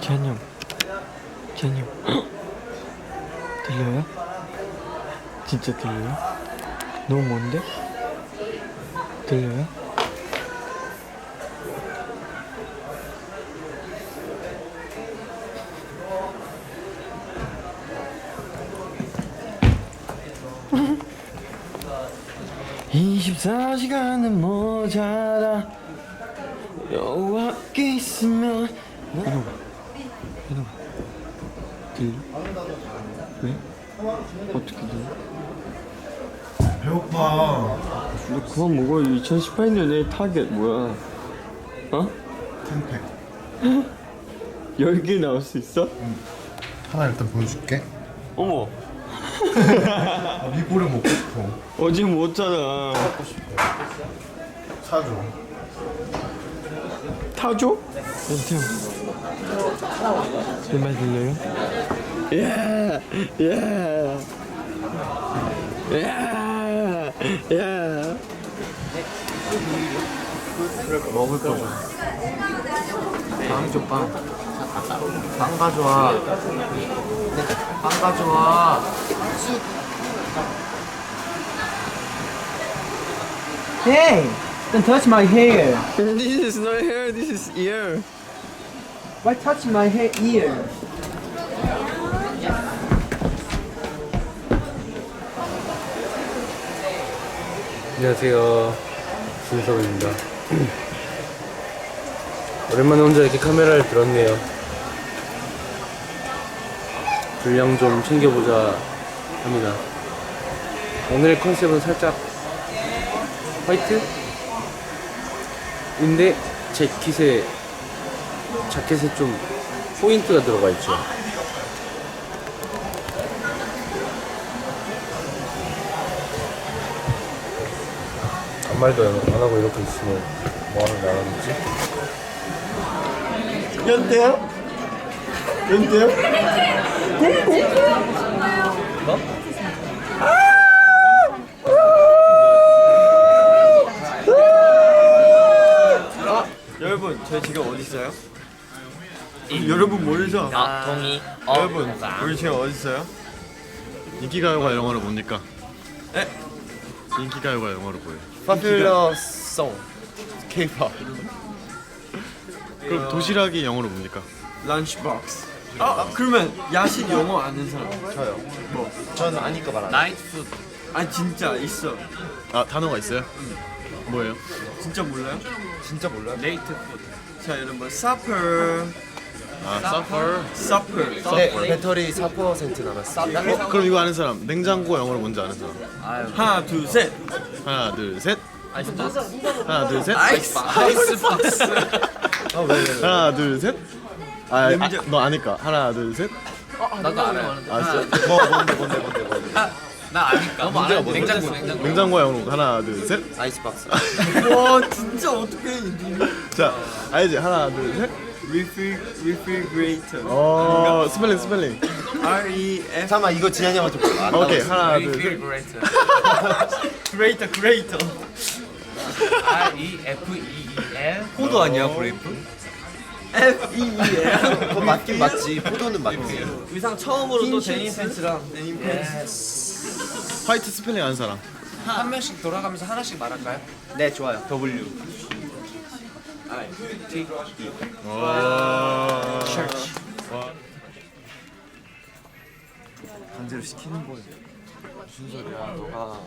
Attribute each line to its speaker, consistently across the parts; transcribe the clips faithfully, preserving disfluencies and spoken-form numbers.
Speaker 1: 재한이 형, 재한이 형 들려요? 진짜 들려요? 너무 먼데? 들려요? 이십사 시간은 모자라 여호와께 있으면 이놈아 이놈아 들려? 왜? 어떻게 들려?
Speaker 2: 배고파.
Speaker 1: 너 그만 먹어. 이천십팔 년에 타겟 뭐야? 어?
Speaker 2: 템팩.
Speaker 1: 열 개 나올 수 있어?
Speaker 2: 응. 하나 일단 보여줄게.
Speaker 1: 어머
Speaker 2: 아, 미보를 먹고 싶어.
Speaker 1: 어제 먹었잖아.
Speaker 2: 먹고 싶어. 사줘.
Speaker 1: 타줘? 연태형 제 말 들려요? 예! 예! 예! 예!
Speaker 2: 먹을 거죠. 빵 줘, 빵. 빵 가져와. 빵 가져와.
Speaker 3: Hey, don't touch my hair.
Speaker 1: This is not hair, this is ear.
Speaker 3: Why touch my hair ear?
Speaker 4: 안녕하세요, 준석입니다. 오랜만에 혼자 이렇게 카메라를 들었네요. 분량 좀 챙겨보자 합니다. 오늘의 컨셉은 살짝 화이트? 인데 재킷에 자켓에 좀 포인트가 들어가 있죠. 아무 말도 안 하고 이렇게 있으면 뭐하는 나라는지.
Speaker 1: 연태요? 연태요? 아, 여러분 저희 지금 어디 있어요? 여러분 모르죠?
Speaker 5: 아, 동의.
Speaker 1: 여러분 우리 지금 어디 있어요?
Speaker 2: 인기가요가 영어로 뭡니까?
Speaker 1: 에?
Speaker 2: 인기가요가 영어로 뭐예요?
Speaker 1: Popular song K-pop
Speaker 2: 그럼 도시락이 영어로 뭡니까?
Speaker 1: Lunchbox. 아 그러면 야식 영어 아는 사람?
Speaker 2: 저요.
Speaker 1: 뭐?
Speaker 2: 저는 아니까 말하는.
Speaker 5: 나이트 푸드.
Speaker 1: 아 진짜 있어.
Speaker 2: 아 단어가 있어요? 뭐예요?
Speaker 1: 진짜 몰라요?
Speaker 2: 진짜 몰라요?
Speaker 5: 레이트 푸드.
Speaker 1: 자 여러분 supper
Speaker 2: 아 서퍼.
Speaker 1: supper
Speaker 2: 네,
Speaker 6: 배터리 사 퍼센트 남았어.
Speaker 2: 어, 그럼 이거 아는 사람? 냉장고 영어로 뭔지 아는 사람?
Speaker 5: 아유.
Speaker 1: 하나 둘셋
Speaker 2: 하나 둘 셋.
Speaker 5: 아이스 박스.
Speaker 2: 하나 둘 셋.
Speaker 1: 아이스
Speaker 5: 아이스 박스.
Speaker 2: 하나 둘 셋. 아,
Speaker 1: 냉장-
Speaker 2: 아, 너 아니까. 하나 둘 셋.
Speaker 5: 나도 알아요.
Speaker 2: 아, 진짜? 뭐 뭔데 뭔데 뭔데 뭔데.
Speaker 5: 아, 나 아니까. 너무 알아요.
Speaker 2: 뭔데?
Speaker 5: 냉장고 냉장고.
Speaker 2: 냉장고 영어로 하나 둘 셋.
Speaker 6: 아이스박스.
Speaker 1: 와 진짜 어떡해
Speaker 2: 자, 알지? 하나 둘 셋.
Speaker 1: refrigerator
Speaker 2: 어, 스펠링 스펠링.
Speaker 1: R E F
Speaker 6: 잠깐만 이거 지한이 형한테 물어봐. 안
Speaker 2: 오케이.
Speaker 6: 나왔어.
Speaker 2: 하나 둘 셋.
Speaker 5: Refrigerator.
Speaker 1: creator creator
Speaker 5: R E F E E L.
Speaker 6: 포도 아니야 브레이프?
Speaker 1: F E E L
Speaker 6: 그거 맞긴 맞지. 포도는 맞지.
Speaker 1: 의상 처음으로 또 데님 팬츠랑 데님 팬츠
Speaker 2: 화이트 스펠링 아는 사람.
Speaker 5: 한 명씩 돌아가면서 하나씩 말할까요?
Speaker 6: 네 좋아요.
Speaker 5: W. I T.
Speaker 2: 와.
Speaker 6: 강제로 시키는 거예요. 무슨 소리야? 너가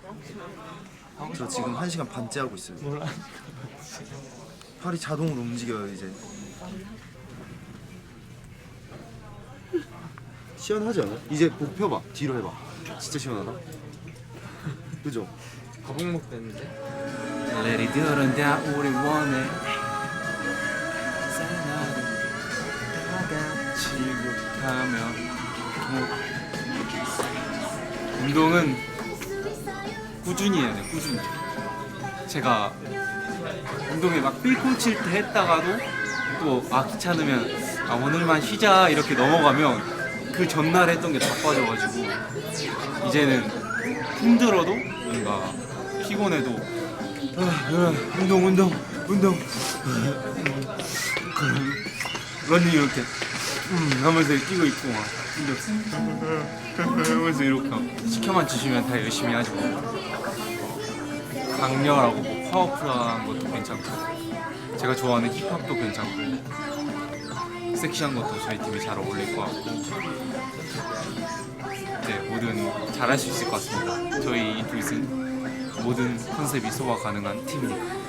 Speaker 6: 저 지금 한 시간 반째 하고 있어요. 몰라. 팔이 자동으로 움직여요 이제. 시원하지 않아? 이제 목 펴봐. 뒤로 해봐. 진짜 시원하다. 그죠?
Speaker 5: 거북목 됐는데. Let it 들은다 우리 원해. 지급하면 운동은 꾸준히 해야 돼. 꾸준히. 제가 운동에 막 삘꽂힐 때 했다가도 또 아 귀찮으면 아 오늘만 쉬자 이렇게 넘어가면 그 전날 했던 게 다 빠져가지고 이제는 힘들어도 뭔가 피곤해도 아, 아, 운동 운동 운동 러닝 이렇게 음 하면서 끼고 있고 막 근데 하면서 이렇게 하고 시켜만 주시면 다 열심히 하죠. 강렬하고 뭐 파워풀한 것도 괜찮고 제가 좋아하는 힙합도 괜찮고 섹시한 것도 저희 팀에 잘 어울릴 것 같고 네, 뭐든 잘할 수 있을 것 같습니다. 저희 인투잇은 모든 컨셉이 소화 가능한 팀이니까.